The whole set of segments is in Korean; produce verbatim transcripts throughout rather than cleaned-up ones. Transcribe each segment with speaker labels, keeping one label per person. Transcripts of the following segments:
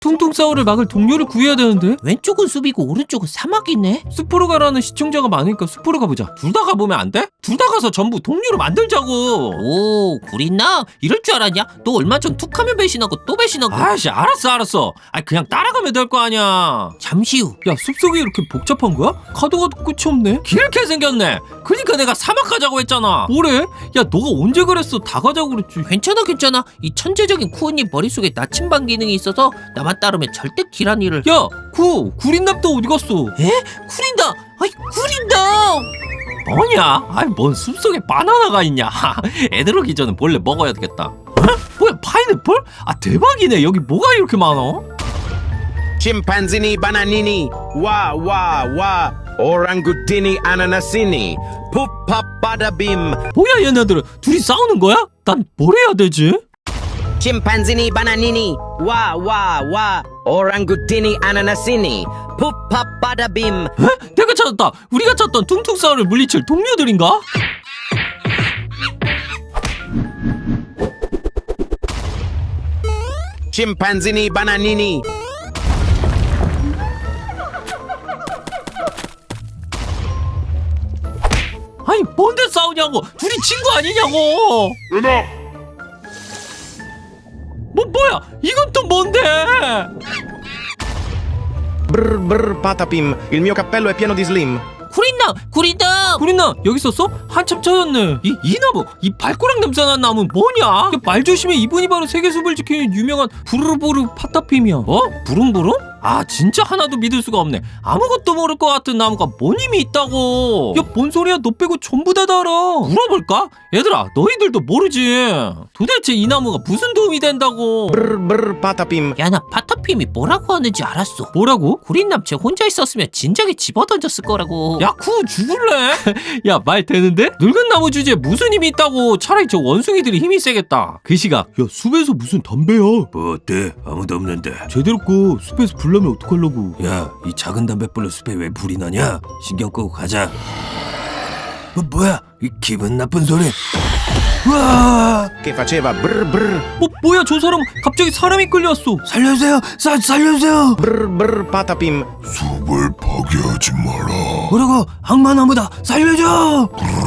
Speaker 1: 퉁퉁 싸움을 막을 동료를 구해야 되는데?
Speaker 2: 왼쪽은 숲이고 오른쪽은 사막이네.
Speaker 1: 숲으로 가라는 시청자가 많으니까 숲으로 가보자. 둘 다 가보면 안 돼? 둘 다 가서 전부 동료로 만들자고.
Speaker 2: 오, 구린나? 이럴 줄 알았냐? 너 얼마 전 툭하면 배신하고 또 배신하고.
Speaker 1: 아이씨, 알았어 알았어. 아 그냥 따라가면 될 거 아니야.
Speaker 2: 잠시 후.
Speaker 1: 야, 숲속이 이렇게 복잡한 거야? 가도 가도 끝이 없네. 길게 생겼네. 그니까 내가 사막 가자고 했잖아. 뭐래? 야, 너가 언제 그랬어? 다 가자고 그랬지.
Speaker 2: 괜찮아 괜찮아. 이 천재적인 쿠우님 머릿속에 나침반 기능이 있어서 나만 따르면 절대 길한 일을.
Speaker 1: 야, 구 구린남도 어디 갔어?
Speaker 2: 에? 구린다. 아이 구린다.
Speaker 1: 뭐냐? 아이, 뭔 숲속에 바나나가 있냐? 애들 오기 전에 몰래 먹어야 되겠다. 어? 뭐야, 파인애플? 아, 대박이네. 여기 뭐가 이렇게 많아?
Speaker 3: Chimpanzini bananini, wa wa wa, orangutini ananasini, puppa bada bim.
Speaker 1: 뭐야, 얘네들은 둘이 싸우는 거야? 난 뭘 해야 되지?
Speaker 3: Chimpanzini bananini, wa wa wa, orangutini ananasini, puppa bada bim.
Speaker 1: 에? 내가 찾았다. 우리가 찾던 퉁퉁 싸움을 물리칠 동료들인가?
Speaker 3: Chimpanzini bananini.
Speaker 1: 아니, 뭔데 싸우냐고. 둘이 친구 아니냐고.
Speaker 4: 은하!
Speaker 1: 뭐 뭐야, 이건 또 뭔데?
Speaker 3: Brr brr patapim, il mio cappello è pieno di slim.
Speaker 2: 구린나 구린다.
Speaker 1: 구린나, 여기 있었어? 한참 찾았네. 이, 이 나무, 이 발꼬락 냄새나는 나무는 뭐냐? 말 조심해. 이분이 바로 세계숲을 지키는 유명한 부르르부르 파타핌이야. 어? 부릉부릉? 아, 진짜 하나도 믿을 수가 없네. 아무것도 모를 것 같은 나무가 뭔 힘이 있다고. 야, 뭔 소리야? 너 빼고 전부 다 알아. 물어볼까? 얘들아, 너희들도 모르지. 도대체 이 나무가 무슨 도움이 된다고.
Speaker 3: Brr brr patapim.
Speaker 2: 야, 나 파타핌이 뭐라고 하는지 알았어.
Speaker 1: 뭐라고?
Speaker 2: 구린남 쟤 혼자 있었으면 진작에 집어던졌을 거라고.
Speaker 1: 야, 쿠 죽을래? 야, 말 되는데? 늙은 나무 주제에 무슨 힘이 있다고. 차라리 저 원숭이들이 힘이 세겠다. 그 시각, 야, 숲에서 무슨 담배야?
Speaker 4: 뭐 어때? 아무도 없는데.
Speaker 1: 제대로 꺼. 숲에서 불 나면 어떡하려고.
Speaker 4: 야, 이 작은 담뱃불로 숲에 왜 불이 나냐? 신경 끄고 가자. 뭐 뭐야? 이 기분 나쁜 소리. 와!
Speaker 3: Che faceva brr brr,
Speaker 1: 뭐, 뭐야, 저 사람 갑자기 사람이 끌려왔어.
Speaker 4: 살려주세요! 사, 살려주세요!
Speaker 3: brr brr patapim.
Speaker 4: 숲을 파괴하지 마라. 뭐라고? 악마나무다. 살려줘!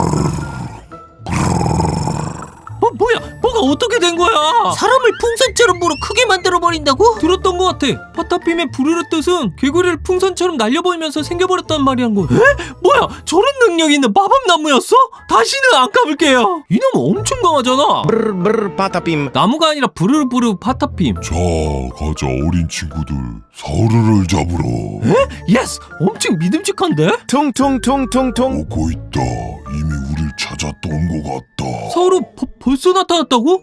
Speaker 1: 뭐, 뭐야, 뭐가 어떻게 된 거야?
Speaker 2: 사람을 풍선처럼 불어 크게 만들어 버린다고?
Speaker 1: 들었던 것 같아. 파타핌의 부르르 뜻은 개구리를 풍선처럼 날려버리면서 생겨버렸단 말이란 거야. 에? 뭐야, 저런 능력이 있는 마법나무였어? 다시는 안 까불게요. 이 나무 엄청 강하잖아.
Speaker 3: Brr brr patapim.
Speaker 1: 나무가 아니라 부르르부르 파타핌.
Speaker 4: 자, 가자 어린 친구들. 사르를 잡으러.
Speaker 1: 예스! 엄청 믿음직한데?
Speaker 3: Tung tung tung tung tung.
Speaker 4: 오고 있다. 이미 우릴 찾았던 것 같다.
Speaker 1: 서로 버, 벌써 나타났다고?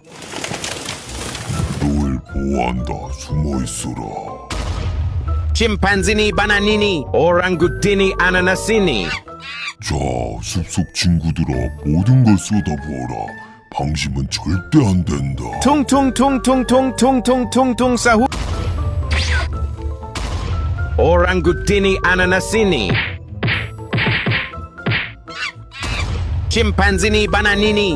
Speaker 4: 너를 보호한다. 숨어 있어라.
Speaker 3: Chimpanzini bananini, orangutini ananasini.
Speaker 4: 자, 숲속 친구들아, 모든 걸 쏟아부어라. 방심은 절대 안 된다.
Speaker 3: Tung tung tung tung tung tung tung tung tung sahu. Orangutini ananasini. Chimpanzini bananini.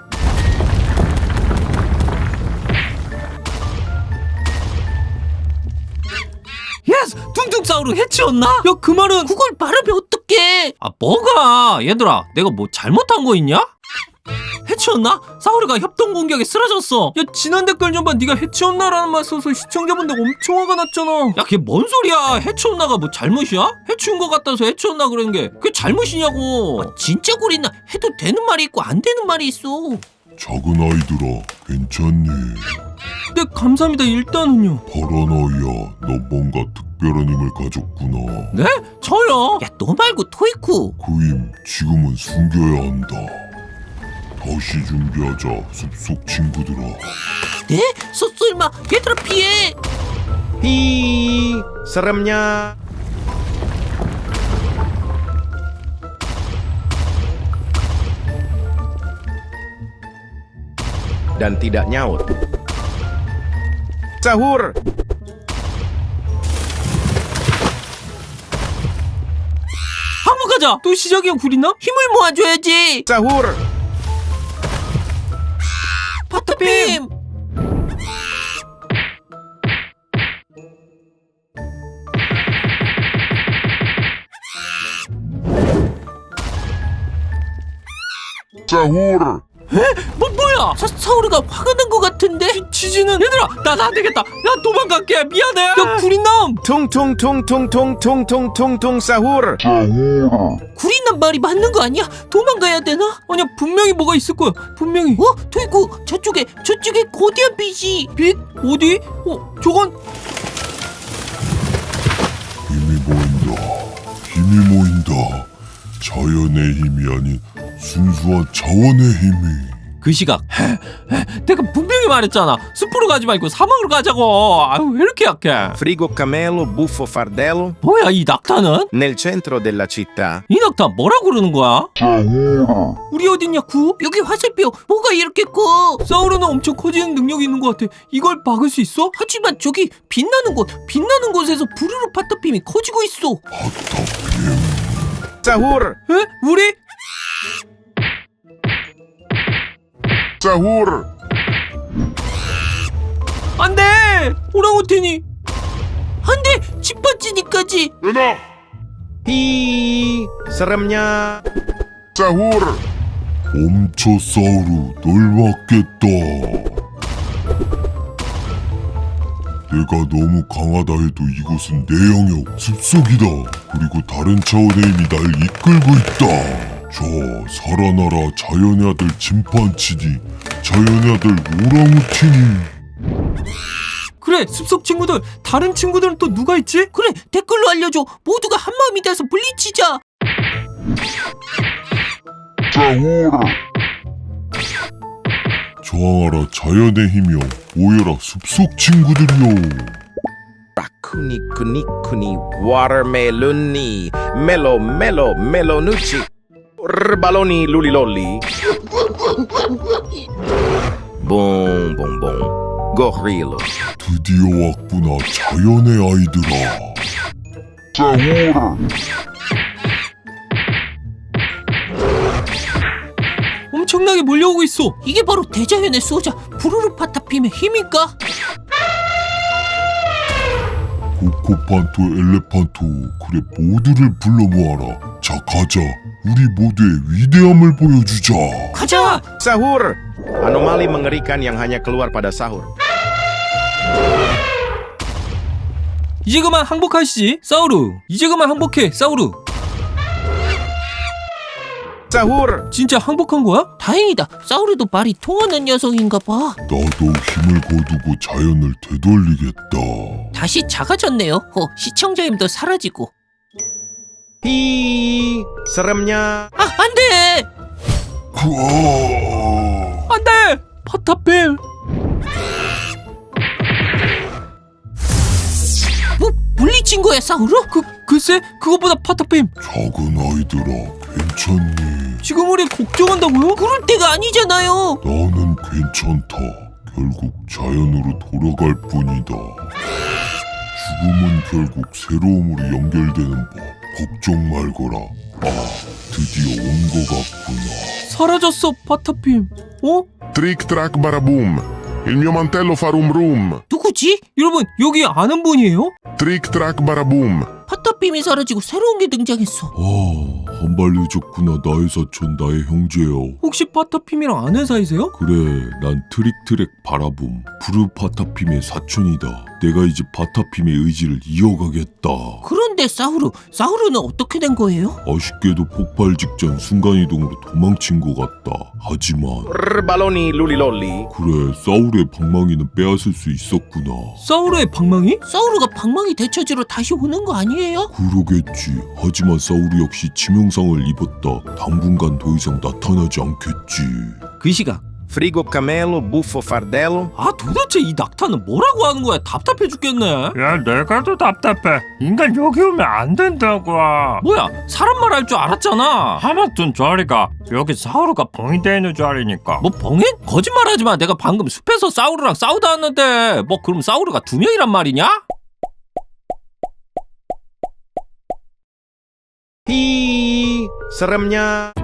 Speaker 1: 예스! 퉁퉁싸우로 해치웠나? 야, 그 말은
Speaker 2: 그걸 말하면 어떡해?
Speaker 1: 아, 뭐가? 얘들아, 내가 뭐 잘못한 거 있냐? 해치웠나? 사우르가 협동 공격에 쓰러졌어. 야, 지난 댓글 좀 봐. 네가 해치웠나라는 말 써서 시청자분들 엄청 화가 났잖아. 야, 그게 뭔 소리야? 해치웠나가 뭐 잘못이야? 해치운 거 같아서 해치웠나 그러는 게 그게 잘못이냐고.
Speaker 2: 아, 진짜 구린나. 해도 되는 말이 있고 안 되는 말이 있어.
Speaker 4: 작은 아이들아, 괜찮니?
Speaker 1: 네, 감사합니다. 일단은요.
Speaker 4: 파란 아이야, 너 뭔가 특별한 힘을 가졌구나.
Speaker 1: 네? 저요?
Speaker 2: 야, 너 말고 토이쿠.
Speaker 4: 그 힘 지금은 숨겨야 한다. 다시 준비하자, 숲속 친구들아.
Speaker 2: 네? 쏘쏠마 얘들아 피해.
Speaker 3: Hi, seremnya. Dan tidak nyaut. Sahur.
Speaker 1: 한번 가자. 또 시작이야, 구리나?
Speaker 2: 힘을 모아줘야지.
Speaker 3: Sahur.
Speaker 2: 파타핌.
Speaker 5: Sahur!
Speaker 1: 뭐 뭐야?
Speaker 2: 사, 사우르가 화가 난 것 같은데?
Speaker 1: 지, 지지는 얘들아 나 나 되겠다. 야 도망갈게. 미안해. 야 구린남.
Speaker 3: Tung tung tung tung tung tung tung tung tung sahur.
Speaker 2: 구린난 말이 맞는 거 아니야? 도망가야 되나?
Speaker 1: 아니야 분명히 뭐가 있을 거야. 분명히.
Speaker 2: 어? 도이코 저쪽에 저쪽에 거대한 빛이.
Speaker 1: 빛 어디? 어 저건
Speaker 5: 힘이 모인다. 힘이 모인다. 자연의 힘이 아닌 순수한 자원의 힘이.
Speaker 1: 그 시각. 내가 분명히 말했잖아. 숲으로 가지 말고 사막으로 가자고. 아유 왜 이렇게 약해?
Speaker 3: Frigo camelo, buffo fardello.
Speaker 1: 뭐야 이 낙타는?
Speaker 3: Nel centro della città.
Speaker 1: 이 낙타 뭐라 그러는 거야? 우리 어딨냐 구?
Speaker 2: 여기 화살표 뭐가 이렇게 커?
Speaker 1: 사우르는 엄청 커지는 능력이 있는 것 같아. 이걸 막을 수 있어?
Speaker 2: 하지만 저기 빛나는 곳 빛나는 곳에서 부르르 파타핌이 커지고 있어.
Speaker 3: Sahur.
Speaker 1: 에? 우리?
Speaker 5: Sahur!
Speaker 1: 안돼! 오랑우탄이.
Speaker 2: 안돼 짓밟지니까지.
Speaker 5: Enough!
Speaker 3: Hi, seremnya.
Speaker 5: Sahur! 멈춰 사우루, 널 막겠다. 내가 너무 강하다 해도 이곳은 내 영역, 숲속이다. 그리고 다른 차원의 힘이 날 이끌고 있다. 저 살아나라 자연의 아들 침판치니, 자연의 아들 오랑우탄이.
Speaker 1: 그래 숲속 친구들. 다른 친구들은 또 누가 있지?
Speaker 2: 그래 댓글로 알려줘. 모두가 한 마음이 돼서 물리치자.
Speaker 5: Sahur! 저항하라 자연의 힘이여, 모여라 숲속 친구들이여.
Speaker 3: Kuni kuni kuni watermeloni. Melo melo melonucci. Baloni lulilolli. Boom boom boom. Gorilla.
Speaker 5: 드디어 왔구나 자연의 아이들아. Sahur!
Speaker 1: 엄청나게 몰려오고 있어.
Speaker 2: 이게 바로 대자연의 수호자 부르르 파타핌의 힘일까?
Speaker 5: 코코판토 엘레판토, 그래 모두를 불러 모아라. 자 가자. 우리 모두의 위대함을 보여주자.
Speaker 2: 가자.
Speaker 3: Sahur. Anomali mengerikan yang hanya keluar pada sahur.
Speaker 1: 이제 그만 항복하시지 사우루. 이제 그만 항복해 사우루.
Speaker 3: Sahur.
Speaker 1: 진짜 항복한 거야?
Speaker 2: 다행이다. 사우르도 말이 통하는 녀석인가 봐.
Speaker 5: 나도 힘을 거두고 자연을 되돌리겠다.
Speaker 2: 다시 작아졌네요. 어, 시청자 힘도 사라지고.
Speaker 3: Hi, seremnya.
Speaker 2: 아, 안 돼!
Speaker 5: 으아!
Speaker 1: 안돼! 파타핌.
Speaker 2: 뭐, 물리친 거야, 사우르?
Speaker 1: 그 글쎄 그것보다 파타핌.
Speaker 5: 작은 아이들아, 괜찮니?
Speaker 1: 지금 우리 걱정한다고요?
Speaker 2: 그럴 때가 아니잖아요.
Speaker 5: 나는 괜찮다. 결국 자연으로 돌아갈 뿐이다. 죽음은 결국 새로움으로 연결되는 법. 걱정 말거라. 아, 드디어 온 것 같구나.
Speaker 1: 사라졌어 파타핌. 어?
Speaker 5: Trick track baraboom. Il mio mantello fa rum rum.
Speaker 2: 누구지?
Speaker 1: 여러분 여기 아는 분이에요?
Speaker 5: Trick track baraboom.
Speaker 2: 파타핌이 사라지고 새로운 게 등장했어.
Speaker 5: 아, 한 발 늦었구나. 나의 사촌, 나의 형제여.
Speaker 1: 혹시 파타핌이랑 아는 사이세요?
Speaker 5: 그래, 난 트릭트랙 바라봄, 부르 파타핌의 사촌이다. 내가 이제 파타핌의 의지를 이어가겠다.
Speaker 2: 그런데 사우르, 사우르는 어떻게 된 거예요?
Speaker 5: 아쉽게도 폭발 직전 순간이동으로 도망친 것 같다. 하지만
Speaker 3: Baloni lulilolli.
Speaker 5: 그래, 사울의 방망이는 빼앗을 수 있었구나.
Speaker 1: 사우르의 방망이?
Speaker 2: 사우르가 방망이 되찾으러 다시 오는 거 아니에요?
Speaker 5: 그러겠지. 하지만 사울이 역시 치명상을 입었다. 당분간 더 이상 나타나지 않겠지.
Speaker 1: 그 시각.
Speaker 3: Frigo camelo, buffo fardello.
Speaker 1: 아 도대체 이 낙타는 뭐라고 하는 거야? 답답해 죽겠네.
Speaker 6: 야, 내가 더 답답해. 인간 여기 오면 안 된다고.
Speaker 1: 뭐야 사람 말 할 줄 알았잖아.
Speaker 6: 하마튼 자리가 여기 사우루가 봉인되어 있는 자리니까.
Speaker 1: 뭐 봉인? 거짓말하지 마. 내가 방금 숲에서 사우르랑 싸우다 왔는데 뭐 그럼 사우르가 두 명이란 말이냐?
Speaker 3: Hi, seremnya.